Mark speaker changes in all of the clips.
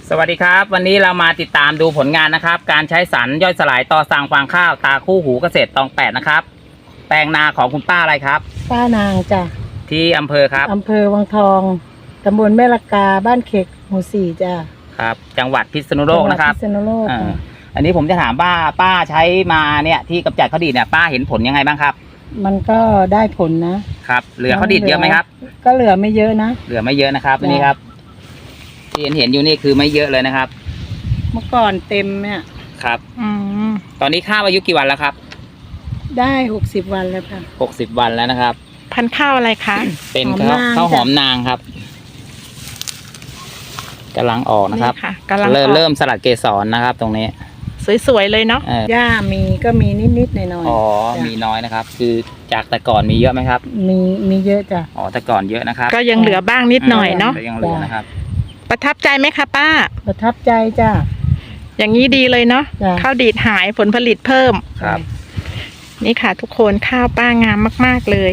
Speaker 1: สวัสดีครับวันนี้เรามาติดตามดูผลงานนะครับการใช้สารย่อยสลายต่อสั่งฟางข้าวตาคู่หูเกษตรตอง8นะครับแปลงนาของคุณป้าอะไรครับ
Speaker 2: ป้านางจ้ะ
Speaker 1: ที่อำเภอครับ
Speaker 2: อำเภอวังทองตำบลแม่ละกาบ้านเขกหมู่4จ้ะ
Speaker 1: ครับจังหวัดพิษณุโลกนะครับ
Speaker 2: พิษณุโลก
Speaker 1: อันนี้ผมจะถามป้าใช้มาเนี่ยที่กำจัดข้าวดีดเนี่ยป้าเห็นผลยังไงบ้างครับ
Speaker 2: มันก็ได้ผลนะครับ
Speaker 1: เหลือข้าวดีดเยอะไหมครับ
Speaker 2: ก็เหลือไม่เยอะนะ
Speaker 1: เหลือไม่เยอะนะครับนี่ครับที่เห็นอยู่นี่คือไม่เยอะเลยนะครับ
Speaker 2: เมื่อก่อนเต็มเนี่ย
Speaker 1: ครับตอนนี้ข้าวอายุกี่วันแล้วครับ
Speaker 2: ได้60 วันแล้วค่ะ
Speaker 1: 60 วันแล้วนะครับ
Speaker 3: พันธุ์ข้าวอะไรคะ
Speaker 1: เป็นข้าวหอมนางครับกำลังออกนะครับเริ่มสลัดเกสรนะครับตรงนี้
Speaker 3: สวยๆเลยเนาะ
Speaker 2: หญ้ามีก็มีนิดๆหน่อยๆ
Speaker 1: อ๋อมีน้อยนะครับคือจากแต่ก่อนมีเยอะไหมครับ
Speaker 2: มีเยอะจ้ะ
Speaker 1: อ๋อแต่ก่อนเยอะนะครับ
Speaker 3: ก็ยังเหลือบ้างนิดหน่อยเนาะ
Speaker 1: ยังเหลือนะครับ
Speaker 3: ประทับใจไหมคะป้า
Speaker 2: ประทับใจจ้ะ
Speaker 3: อย่างนี้ดีเลยเนาะข้าวดีดหายผลผลิตเพิ่ม
Speaker 1: ครับ
Speaker 3: นี่ค่ะทุกคนข้าวป้างามมากๆเลย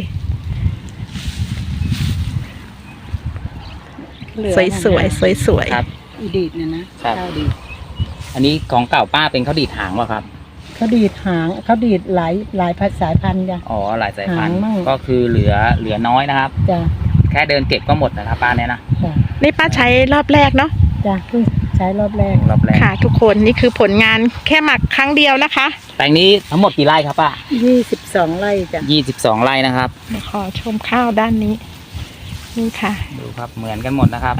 Speaker 3: สวย
Speaker 1: ครับ
Speaker 2: ดีดเนี่ยนะข้าวดีด
Speaker 1: อันนี้ของเก่าป้าเป็นข้าวดีดหางวะครับ
Speaker 2: ข้าวดีดหางข้าวดีดหลายสายพันธุ์จ้ะ
Speaker 1: อ๋อหลายสายพันธุ์ก็คือเหลือน้อยนะครับ
Speaker 2: จ้ะ
Speaker 1: แค่เดินเก็บก็หมดนะครับป้าเนี่ยนะ
Speaker 3: นี่ป้าใช้รอบแรกเนาะ
Speaker 2: จ้ะคือใช้รอบแรก
Speaker 3: ค่ะทุกคนนี่คือผลงานแค่หมักครั้งเดียวนะคะ
Speaker 1: แปลงนี้ทั้งหมดกี่ไร่ครับป้า
Speaker 2: 22 ไร่จ้ะ
Speaker 1: 22 ไร่นะครับ
Speaker 3: ขอชมข้าวด้านนี้นี่ค่ะ
Speaker 1: ดูครับเหมือนกันหมดนะครับ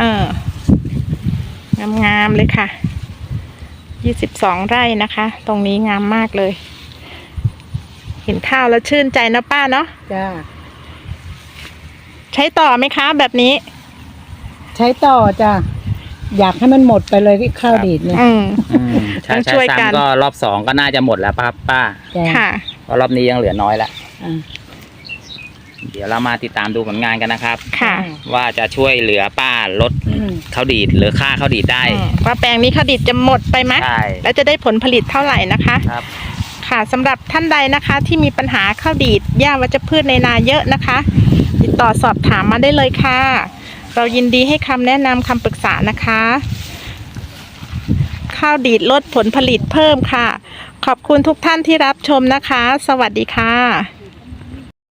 Speaker 3: งามๆเลยค่ะ22 ไร่นะคะตรงนี้งามมากเลยเห็นข้าวแล้วชื่นใจนะป้าเนาะ
Speaker 2: จ้า
Speaker 3: ใช้ต่อไหมคะแบบนี้
Speaker 2: ใช้ต่อจ้ะอยากให้มันหมดไปเลยข้าวดีดเนี่ย
Speaker 1: ต้องช่วยกันก็รอบ2ก็น่าจะหมดแล้วป้า
Speaker 3: ค่ะ
Speaker 1: เพราะรอบนี้ยังเหลือน้อยแล้วเดี๋ยวเรามาติดตามดูผลงานกันนะครับว่าจะช่วยเหลือป้าลดข้าวดีดหรือค่าข้าวดีดได้
Speaker 3: ว่าแปลงนี้ข้าวดีดจะหมดไปไหมแล้วจะได้ผลผลิตเท่าไหร่นะคะค่ะสำหรับท่านใดนะคะที่มีปัญหาข้าวดีดหญ้าวัชพืชในนาเยอะนะคะติดต่อสอบถามมาได้เลยค่ะเรายินดีให้คำแนะนำคำปรึกษานะคะข้าวดีดลดผลผลิตเพิ่มค่ะขอบคุณทุกท่านที่รับชมนะคะสวัสดีค่ะ